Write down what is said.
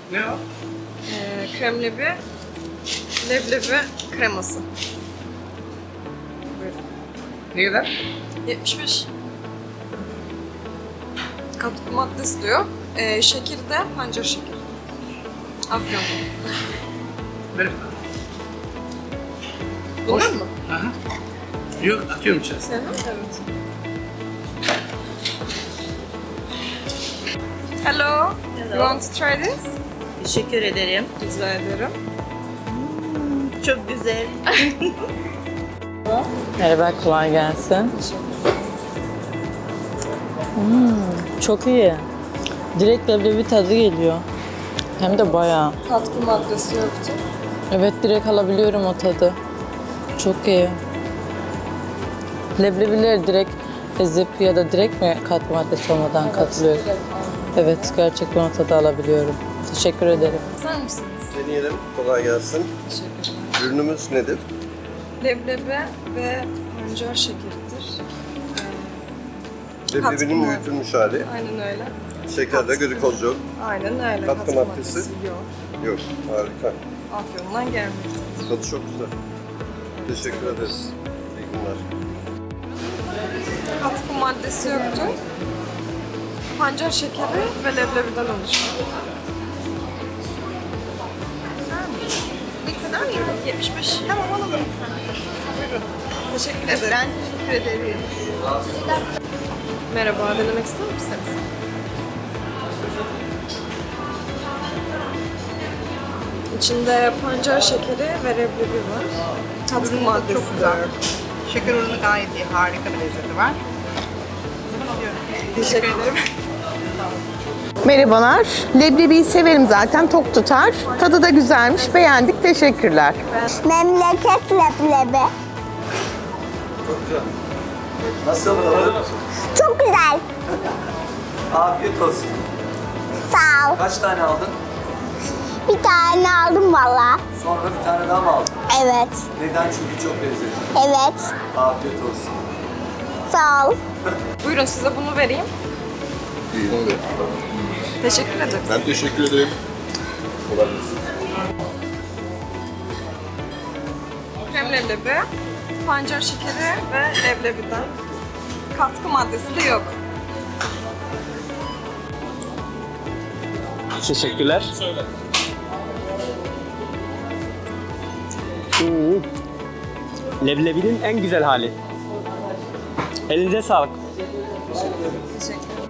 Ne o? Kremlebi, leblebi kreması. Buyurun. Ne kadar? 75. Katkı maddesi diyor. Şekeri de pancar şekeri. Afyon. Ver bir tane. Bunlar mı? Aha. Yok, atıyorum içerisine. Evet. Hello. You want to try this? Teşekkür ederim. Rica ederim. Çok güzel. Merhaba, kolay gelsin. Çok iyi. Direkt leblebi tadı geliyor. Hem de bayağı. Katkı maddesi yoktu. Evet, direkt alabiliyorum o tadı. Çok iyi. Leblebileri direkt ezip ya da direkt mi katkı maddesi olmadan katılıyorum? Evet, gerçekten o tadı alabiliyorum. Teşekkür ederim. Sen misiniz? Deneyelim. Kolay gelsin. Teşekkürler. Ürünümüz nedir? Leblebi ve pancar şekeridir. Leblebinin Katkı büyütülmüş hali. Aynen öyle. Şekerde glikoz yok. Aynen öyle. Katkı maddesi? yok. Yok. Harika. Afyon'dan gelmedi. Tadı çok güzel. Teşekkür ederiz. İyi günler. Katkı maddesi yoktu. Pancar şekeri ve leblebiden oluşuyor. Ne kadar? 75. Tamam alalım. Buyurun. Teşekkür ederim. Ben teşekkür ederim. Merhaba, denemek ister misiniz? İçinde pancar şekeri ve leblebi var. Katkı maddesi Çok güzel. Şeker oranı gayet iyi. Harika bir lezzeti var. Teşekkür ederim. Merhabalar. Leblebiyi severim zaten, tok tutar. Tadı da güzelmiş, beğendik, teşekkürler. Memleket leblebi. Nasıl tadı? Çok güzel. Afiyet olsun. Sağ ol. Kaç tane aldın? Bir tane aldım valla. Sonra bir tane daha mı aldın? Evet. Neden? Çünkü çok lezzetli. Evet. Afiyet olsun. Sağ ol. Buyurun size bunu vereyim. İyi oldu. Teşekkür ederiz. Ben teşekkür ederim. Kolay gelsin. Krem leblebi, pancar şekeri ve leblebiden. Katkı maddesi de yok. Teşekkürler. Leblebinin en güzel hali. Elinize sağlık. Teşekkür ederim.